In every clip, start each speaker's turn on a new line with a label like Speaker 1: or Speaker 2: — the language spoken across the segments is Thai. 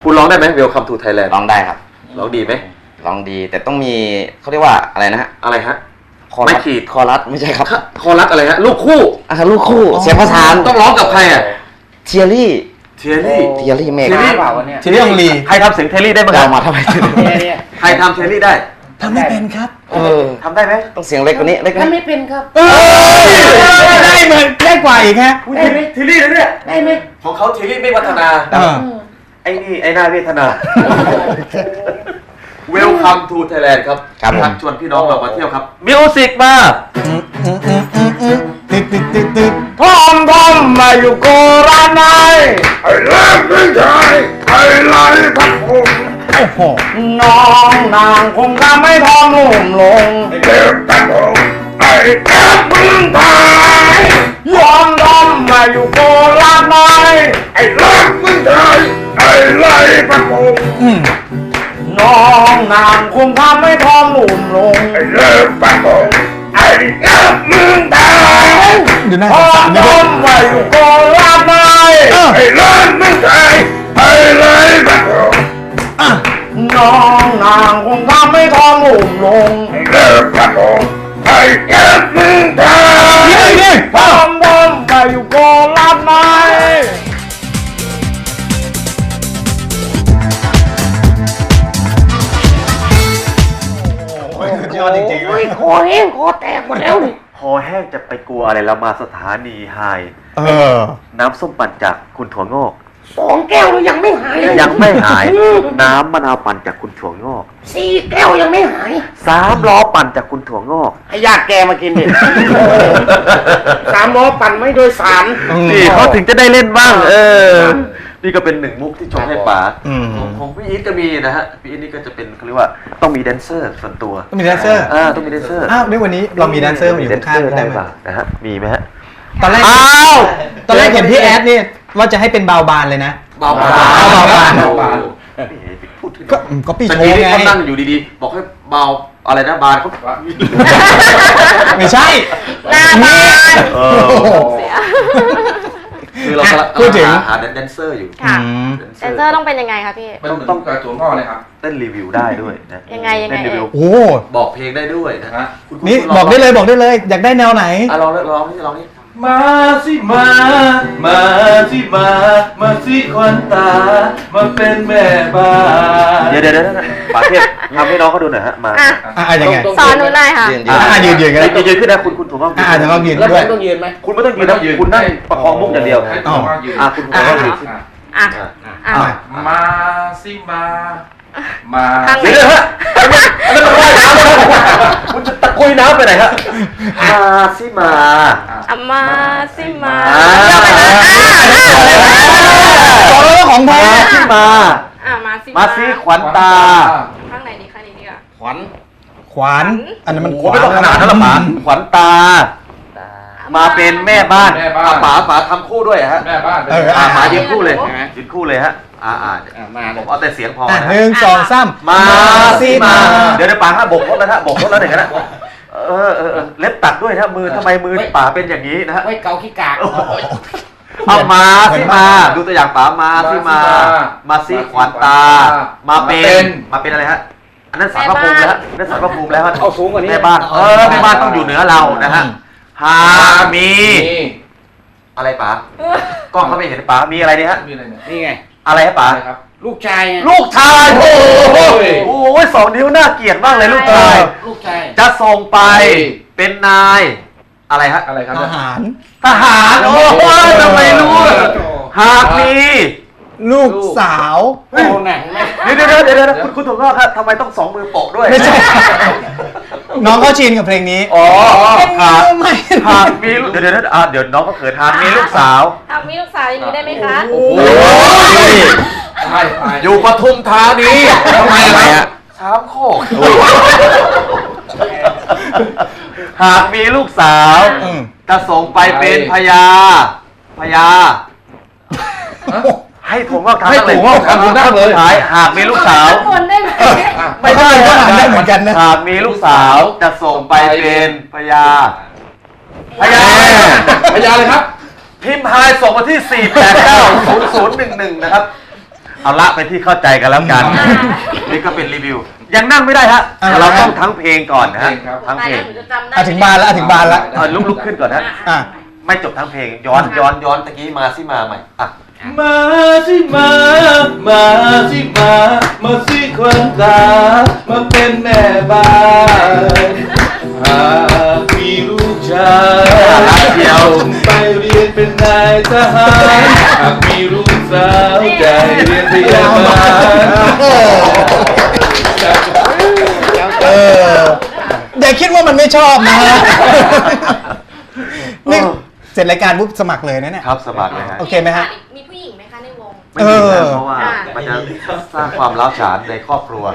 Speaker 1: คุณร้องได้ไหม Welcome to Thailand
Speaker 2: ร้องได้ครับ
Speaker 1: ร้องดีไหม
Speaker 2: ร้องดีแต่ต้องมีเขาเรียกว่าอะไรนะฮะ
Speaker 1: อะไรฮะ
Speaker 2: ไม่ขีดคอรัสไม่ใช่ครับ
Speaker 1: คอรัสอะไรฮะลูกคู่
Speaker 2: ลูกคู่เสียงประสาน
Speaker 1: ต้องร้องกับใครอ่ะ
Speaker 2: เทียรี่
Speaker 1: เมฆ
Speaker 3: เปล่าวะเนี่ย
Speaker 1: เทียรี่องลีใครทำเสียงเทยรี่ได้บ้าง
Speaker 2: เรามาทำไมถึง
Speaker 1: ใครทำเทยรี่ได้
Speaker 3: ทำไม่เป็นครับ
Speaker 1: ทำได้ไหม
Speaker 2: ต้องเสียงเล็กกว่านี้เล็ก
Speaker 4: ทำไม่เป็นครับ
Speaker 3: ได้เหมือนได้กว่าอีกฮะ
Speaker 1: ได้ไหมเทยรี่นะเนี่ย
Speaker 4: ได้ไหม
Speaker 1: ของเขาเทยรี่ไม่พัฒนาไอ้นี่ไอ้หน้าเวทนา Welcome to Thailand ครับชวนพี่น้องเรามาเที่ยวครับมิวสิกมา
Speaker 3: พร้อมมาอยู่โกราชนาย
Speaker 5: ไอ้เลิศไม่ใช่ไอ้ไรพักผม
Speaker 3: โอ้โหน้องนางคงทำให้ทองลุ่มลง
Speaker 5: ไอ้เลิศพักผมไอ้แก้มึงตาย
Speaker 3: พร้อมมาอยู่โกราชนาย
Speaker 5: ไอ้เลิศไม่ใช่ไอ้ไรพักผม
Speaker 3: น้องนางคงทำให้ทองลุ่มลง
Speaker 5: ไอ้เลิศพักผมไอ้แก้มึงตาย
Speaker 3: พร้อมมาอยู่โกราชนาย
Speaker 5: ไอ้เลิศไม่ใช่ไอ้ไรพักผม
Speaker 3: น้องนางคงทำให้ทองลุ่มลง
Speaker 5: ไอ้เลิศพักผมไอ้แก้มึงตาย
Speaker 3: พร้อมมาอยู่โกราชนายยอดจริง
Speaker 4: ๆคอแห้งคอแตกหมดแล้วนี่
Speaker 1: คอแห้งจะไปกลัวอะไรเรามาสถานีไฮน้ำส้มปั่นจากคุณถั่วงอก
Speaker 4: 2 แก้วแล้วยังไม่หาย
Speaker 1: น้ำมะนาวปั่นจากคุณถั่วงอก
Speaker 4: 4 แก้วยังไม่หาย
Speaker 1: 3 ล้อปั่นจากคุณถั่วงอก
Speaker 4: ให้ญาติแกมากินดิ3 ล้อปั่นไม่โดยสาร
Speaker 1: นี่เขาถึงจะได้เล่นบ้างนี่ก็เป็น1 มุกที่ชงให้ป๋าของพี่อีทก็มีนะฮะพี่อีทนี่ก็จะเป็นเขาเรียกว่าต้องมีแดนเซอร์ส่วนตัว
Speaker 3: ต้องมีแดนเซอร์
Speaker 1: ต้องมีแดนเซอร์
Speaker 3: ในวันนี้เรามีแดนเซอร์มาอยู่ข้างๆได้ไหม
Speaker 1: นะฮะมีไหมฮะ
Speaker 3: ตอนแรกเห็นพี่แอดนี่ว่าจะให้เป็นเบาบานเลยนะ
Speaker 1: เบาบาน
Speaker 3: ก็พี่โชว์ไง
Speaker 1: เขานั่งอยู่ดีๆบอกให้เบาอะไรนะบานเขา
Speaker 3: ไม่ใช่
Speaker 4: หน้าบาน
Speaker 1: คือเราพูดถึงหาแดนเซอร์อยู่
Speaker 6: แดนเซอร์ต้องเป็นยังไงคะพี่
Speaker 5: ต้องการตัวงอเลยครับ
Speaker 1: เต้นรีวิวได้ด้วยนะ
Speaker 6: ยังไง
Speaker 3: โอ้
Speaker 1: บอกเพลงได้ด้วยนะ
Speaker 3: นี่บอกได้เลยอยากได้แนวไหน
Speaker 1: ลองนี่
Speaker 5: มาสิมาสิควันตามาเป็นแม่บ้าน
Speaker 1: เดี๋ยวป๋าเทพทำให้น้องเขาดูหน่อยฮะมา
Speaker 3: ยังไง
Speaker 6: สอนหนูหน่อยค่ะ
Speaker 3: ยืนกัน
Speaker 1: ยืนขึ้นนะคุณถูกต้อง
Speaker 3: จะต้องยืนด้วย
Speaker 4: ต้องยืนไหม
Speaker 1: คุณไม่ต้องยืนนะคุณนั่งประคองมุกอย่างเดียวคุณถูกต้องยืน
Speaker 5: มาสิมา
Speaker 1: เดี๋ยวฮะคุณจะตะกุยน้ำไปไหนฮะมาสิมา
Speaker 3: ของแท้
Speaker 1: ที่มาสิขวัญตา
Speaker 6: ข้างไหนดีข้างนี้ดีกว่า
Speaker 3: ขวัญอันนั้นมัน
Speaker 1: ไม่ต้องขนาดนั้นหรอกป๋าขวัญตามาเป็นแม่บ้านป๋าทำคู่ด้วยฮะ
Speaker 5: แม่บ้าน
Speaker 1: ป๋ายืนคู่เลยฮะมาผมเอาแต่เสียงพอ
Speaker 3: 1 2 3
Speaker 1: มาสิมาเดี๋ยวป๋าบกรถแล้วบกรถแล้วเดี๋ยวนะเล็บตัดด้วยนะมือทำไมมือป๋าเป็นอย่างนี้นะฮะ
Speaker 4: ไว้เกาขี้กาก
Speaker 1: เอามาสิมาดูตัวอย่างป๋ามาสิมาสิขวัญตามาเป็นอะไรฮะอันนั้นสารพระภูมิแล้วนั่นสารพระภูมิแล้ว
Speaker 4: เอาสูงกว่านี้
Speaker 1: แม่บ้านแม่บ้านต้องอยู่เหนือเรานะฮะหามีอะไรป๋ากล้องเขาไม่เห็นป๋ามีอะไรนี่ฮะ
Speaker 4: นี่ไง
Speaker 1: อะไรฮะป๋า
Speaker 4: ลูกชาย
Speaker 1: โอ้ย2 นิ้วน่าเกลียดมากเลยลูกชายจะส่งไปเป็นนายอะไรฮะ
Speaker 5: อะไรครับ
Speaker 3: ทหาร
Speaker 1: โอ้ยทำไมรู้หากมี
Speaker 3: ลูกสาว
Speaker 1: เดี๋ยวคุณถูกต้องครับทำไมต้อง2 มือโปะด้วย
Speaker 3: ไม่ใช่น้องก็ชินกับเพลงนี้
Speaker 1: หากมีเดี๋ยวน้องก็เขินหากมีลูกสาว
Speaker 6: อย่างนี้ได้ไหมคะ
Speaker 1: โอ้ยอยู่ปทุมธานีทำไมอะ3 โคกหากมีลูกสาวจะส่งไปเป็นพญาให้ถั่วงอกทำเลยหากมีลูกสาว
Speaker 6: คนได้ไหม
Speaker 1: ไม่ได้
Speaker 3: ได้เหมือนกันนะ
Speaker 1: หากมีลูกสาวจะส่งไปเป็นพญา
Speaker 5: เลยครับ
Speaker 1: พิมพ์ไฮส่งมาที่4890011นะครับเอาละเป็นที่เข้าใจกันแล้วกัน
Speaker 6: อ่า
Speaker 1: นี่ก็เป็นรีวิว ยังนั่งไม่ได้ฮะ เราต้องทั้งเพลงก่อนนะฮะ ทั้ง
Speaker 6: ตาย
Speaker 1: เพล
Speaker 6: แล้ว
Speaker 1: ง
Speaker 6: หนูจะจำได้
Speaker 3: ถึงบานแล้วถึงบานแล้ว
Speaker 1: ลุกขึ้นก่อนฮะ
Speaker 3: อ่ะ
Speaker 1: ไม่จบทั้งเพลง ย้อนตะกี้มาสิมาใหม่อ่ะ
Speaker 5: มาสิมาสิมาสิควันตา มาเป็นแม่บ้านหากมีลูกชาย
Speaker 1: รักเดียว
Speaker 5: ส่งไปเรียนเป็นนายทหาร หากมีลูกสาวใจเรียนพยาบาล
Speaker 3: เอออย่าคิดว่ามันไม่ชอบนะฮะนี่เสร็จรายการปุ๊บสมัครเลยนะเนี่ย
Speaker 1: ครับสมัครเลยฮะ
Speaker 3: โอเคไหมฮะ
Speaker 6: มีผู้หญิงไหมคะในวง
Speaker 1: ไม่มีนะ
Speaker 3: เออ
Speaker 1: เพราะว่า
Speaker 6: อ่า
Speaker 1: มันจะสร้างความร้าวฉานในครอบครัว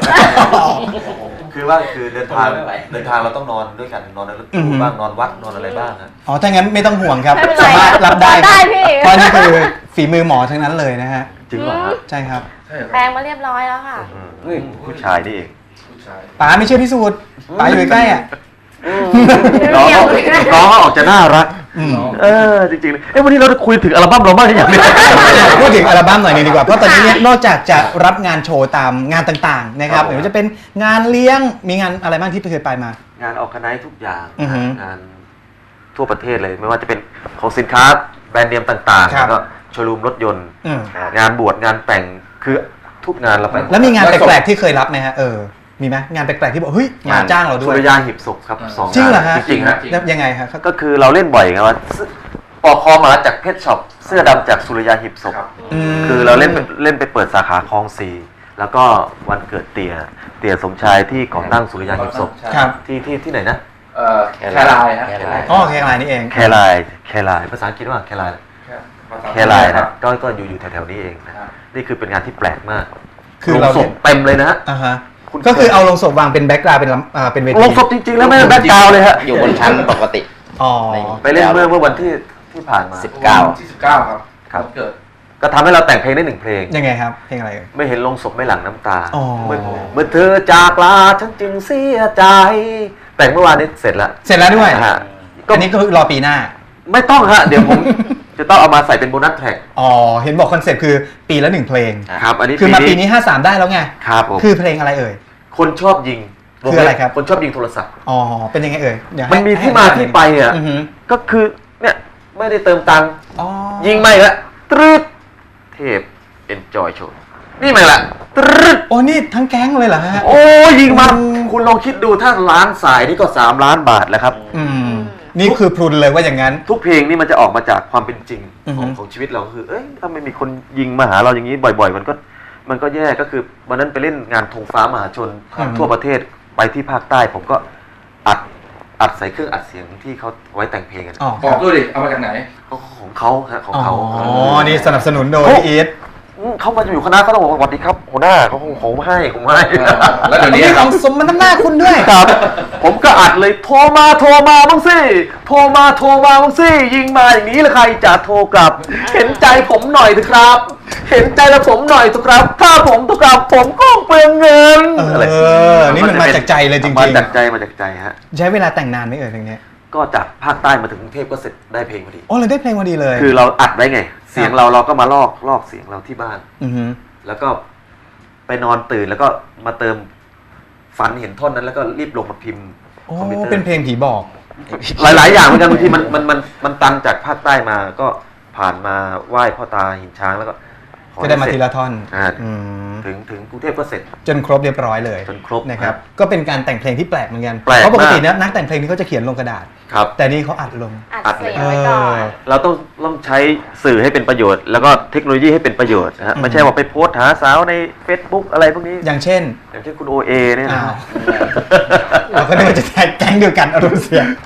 Speaker 1: คือเดินทางเราต้องนอนด้วยกันนอนในรถตู้บ้างนอนวัดนอนอะไรบ้างฮะ
Speaker 3: อ๋อถ้างั้นไม่ต้องห่วงครับ
Speaker 6: ไม่เป็นไร
Speaker 3: สามารถรับได้
Speaker 6: ได้พี่
Speaker 3: เพราะนี่คือฝีมือหมอทั้งนั้นเลยนะฮะ
Speaker 1: จริงเหรอฮะ
Speaker 3: ใช่ครับ
Speaker 6: แปลงมาเรียบร้อยแล้วค่ะ
Speaker 1: ผู้ชายนี่เอง
Speaker 5: ผู้ชาย
Speaker 3: ป๋าไม่เชื่อพิสูจน์ป๋าอยู่ใกล้ๆอ่ะ
Speaker 1: น้องเขาออกจะน่ารัก
Speaker 3: อืม
Speaker 1: จริงๆวันนี้เราจะคุยถึงอัลบั้มเราบ้างหรือยังเนี่ย
Speaker 3: พูดถึงอัลบั้มหน่อยหนึงดีกว่า เพราะตอนนี้เนี่ยนอกจากจะรับงานโชว์ตามงานต่างๆนะครับ
Speaker 1: ครับผม
Speaker 3: หรือว่าจะเป็นงานเลี้ยงมีงานอะไรบ้างที่เคยไปมา
Speaker 1: งานออกคณะทุกอย่าง
Speaker 3: อือฮึ
Speaker 1: งานทั่วประเทศเลย ไม่ว่าจะเป็นของสินค้าแบรนด์เนมต่างๆ
Speaker 3: ครับ
Speaker 1: แล้วก็โชว์รูมรถยนต์
Speaker 3: อืม
Speaker 1: งานบวชงานแต่งคือทุกงานเราไป
Speaker 3: แล้วมีงานแปลกๆที่เคยรับไหมฮะมีไหมงานแปลกๆที่บอกเฮ้ยงานจ้างเราด้
Speaker 1: สุ
Speaker 3: วย
Speaker 1: ริยาหีบศพครับสอง
Speaker 3: จริงเหรอฮะ
Speaker 1: จริงๆฮะ
Speaker 3: แล้วยังไงฮะ
Speaker 1: ก็คือเราเล่นบ่อยไงว่าปอกคอหมาจากเพชรช็อปเสื้อดำจากสุริยาหีบศพ
Speaker 3: ม
Speaker 1: คือเราเล่นไปเปิดสาขาคลองสีแล้วก็วันเกิดเตี่ยสมชายที่ก่อตั้งสุริยาหีบศพ
Speaker 3: ครับ
Speaker 1: ที่ไหนนะ
Speaker 5: แคลายฮะ
Speaker 3: อ๋อแค่งานนี้เอง
Speaker 1: แคลายภาษาอังกฤษว่าแคลายนะก็อยู่แถวๆนี้เองนะนี่คือเป็นงานที่แปลกมาก
Speaker 3: คือ
Speaker 1: โรง
Speaker 3: เรา
Speaker 1: ศพเต็มเลยนะฮะ
Speaker 3: อ่าฮะ
Speaker 1: คุณ
Speaker 3: ก็คือเอาลงศพวางเป็นแบ็กกราวด์เป็นเวที
Speaker 1: โรงศพจริงๆแล้วไม่ได้แบ็คกราวด์เลยฮะ
Speaker 2: อยู่บนชั้นปกติ
Speaker 3: อ๋อ
Speaker 1: ไปเล่นเมื่อวันที่ผ่านมา
Speaker 2: 19
Speaker 5: ที่19ครับ
Speaker 1: ครับ
Speaker 5: วันเกิด
Speaker 1: ก็ทำให้เราแต่งเพลงได้หนึ่งเพลง
Speaker 3: ยังไงครับเพลงอะไรเอ่ย
Speaker 1: ไม่เห็นลงศพไม่หลั่งน้ำตา
Speaker 3: อ๋อ
Speaker 1: เมื่อเธอจากลาฉันจึงเสียใจ แต่งเมื่อวานนี้เสร็จแล้ว
Speaker 3: เสร็จแล้วด้วย
Speaker 1: ฮะ
Speaker 3: อันนี้ก็รอปีหน้า
Speaker 1: ไม่ต้องฮะ เดี๋ยวผม จะต้องเอามาใส่เป็นโบนัสแทร็ก
Speaker 3: อ๋อ เห็นบอกคอนเซ็ปต์คือปีละหนึ่งเพลง
Speaker 1: ครับ อันนี้
Speaker 3: คือมาปีนี้ 53 ได้แล้วไง
Speaker 1: ครับผม
Speaker 3: คือเพลงอะไรเอ่ย
Speaker 1: คนชอบยิง
Speaker 3: คืออะไรครับ
Speaker 1: คนชอบยิงโทรศัพท์
Speaker 3: อ๋อ เป็นยังไงเอ่ยเดี๋ยวให้
Speaker 1: มันมีที่มาที่ไปอ่ะ
Speaker 3: อือหือ
Speaker 1: ก็คือเนี่ยไม่ได้เติมตังค์
Speaker 3: อ๋อ
Speaker 1: ยิงไม่ละตรึดเทพ enjoy show นี่ไม่ละตรึด
Speaker 3: โอ้นี่ทั้งแก๊งเลยเหรอฮะ
Speaker 1: โอ้ยิงมา
Speaker 3: อืม
Speaker 1: คุณลองคิดดูถ้าล้านสายนี่ก็3 ล้านบาทแล้วครับ
Speaker 3: อืม นี่คือพรุนเลยว่าอย่างนั้น
Speaker 1: ทุกเพลงนี่มันจะออกมาจากความเป็นจริง
Speaker 3: อือฮึ
Speaker 1: ของชีวิตเราก็คือ เอ้ยถ้าไม่มีคนยิงมาหาเราอย่างนี้บ่อย ๆ มันก็แย่ก็คือวันนั้นไปเล่นงานธงฟ้ามหาชนทั่วประเทศไปที่ภาคใต้ ผมก็อัดใส่เครื่องอัดเสียงที่เขาไว้แต่งเพลงกัน
Speaker 3: อ๋อ
Speaker 5: บอกด้วยดิ เอามาจากไหน
Speaker 1: ของเขาฮะของ
Speaker 3: อ๋
Speaker 1: เขา
Speaker 3: อ นี่สนับสนุนโดยอีท
Speaker 1: เขามาอยู่คณะเขาต้องบอกว่าสวัสดีครับหัวหน้าเขาคงผมให้
Speaker 5: แล้วเดี๋ยวนี้
Speaker 3: นี่
Speaker 5: ค
Speaker 3: ข
Speaker 5: รั
Speaker 3: อบ งสมมันน้ำหน้าคุณด้วย
Speaker 1: ครับ ผมก็อัดเลยโทรมาบ้างสิโทรมาบ้างสิยิงมาอย่างนี้แล้วใครจะโทรกลับ เห็นใจผมหน่อยเถอะครับ เห็นใจละผมหน่อยเถอะครับ ถ้าผมโทรกลับผมก็เปลืองเงิน
Speaker 3: นี่มันมาจากใจเลยจริงๆ
Speaker 1: มาจากใจฮะ
Speaker 3: ใช้เวลาแต่งนานไหมเอ่ยเพลงนี้
Speaker 1: ก็จากภาคใต้มาถึงกรุงเทพก็เสร็จได้เพลงพอดี
Speaker 3: โอ้เลยได้เพลงพอดีเลย
Speaker 1: คือเราอัดไว้ไง เสียงเราก็มาลอกเสียงเราที่บ้าน
Speaker 3: อือฮึ
Speaker 1: แล้วก็ไปนอนตื่นแล้วก็มาเติมฝันเห็นท่อนนั้นแล้วก็รีบลงมาพิมพ์
Speaker 3: โอ้
Speaker 1: คอมพิวเตอร์
Speaker 3: เป็นเพลงผีบอก
Speaker 1: หลาย ๆ อย่างเหมือนกันบางทีมันตันจากภาคใต้มาก็ผ่านมาไหว้พ่อตาหินช้างแล้วก็ขอ
Speaker 3: ก็ได้มา
Speaker 1: ให้เส
Speaker 3: ที
Speaker 1: ร็จ
Speaker 3: ละท่อน
Speaker 1: อ่า
Speaker 3: อืม
Speaker 1: ถึงกรุงเทพก็เสร็จ
Speaker 3: จนครบเรียบร้อยเลย
Speaker 1: จนครบ
Speaker 3: นะครับ
Speaker 1: ครับ
Speaker 3: ก็เป็นการแต่งเพลงที่แปลกเหมือนกัน
Speaker 1: แปลก
Speaker 3: เพราะปกติ
Speaker 1: มาก
Speaker 3: เนี่ยนักแต่งเพลงนี่เขาจะเขียนลงกระดาษ
Speaker 1: ครับ
Speaker 3: แต่นี่เขาอัดลง
Speaker 6: อัดเสียงไว้ก่อน
Speaker 1: เราต้องใช้สื่อให้เป็นประโยชน์ แล้วก็เทคโนโลยีให้เป็นประโยชน์นะฮะ
Speaker 3: อืม
Speaker 1: ไม่ใช่ว่าไปโพสต์หาสาวใน Facebook อะไรพวกนี้
Speaker 3: อย่างเช่น
Speaker 1: อย่างเช่นคุณโอเอเนี่ยนะ
Speaker 3: อ้าว เราก็นึกว่าจะแก๊งเดียวกันอารมณ์เสีย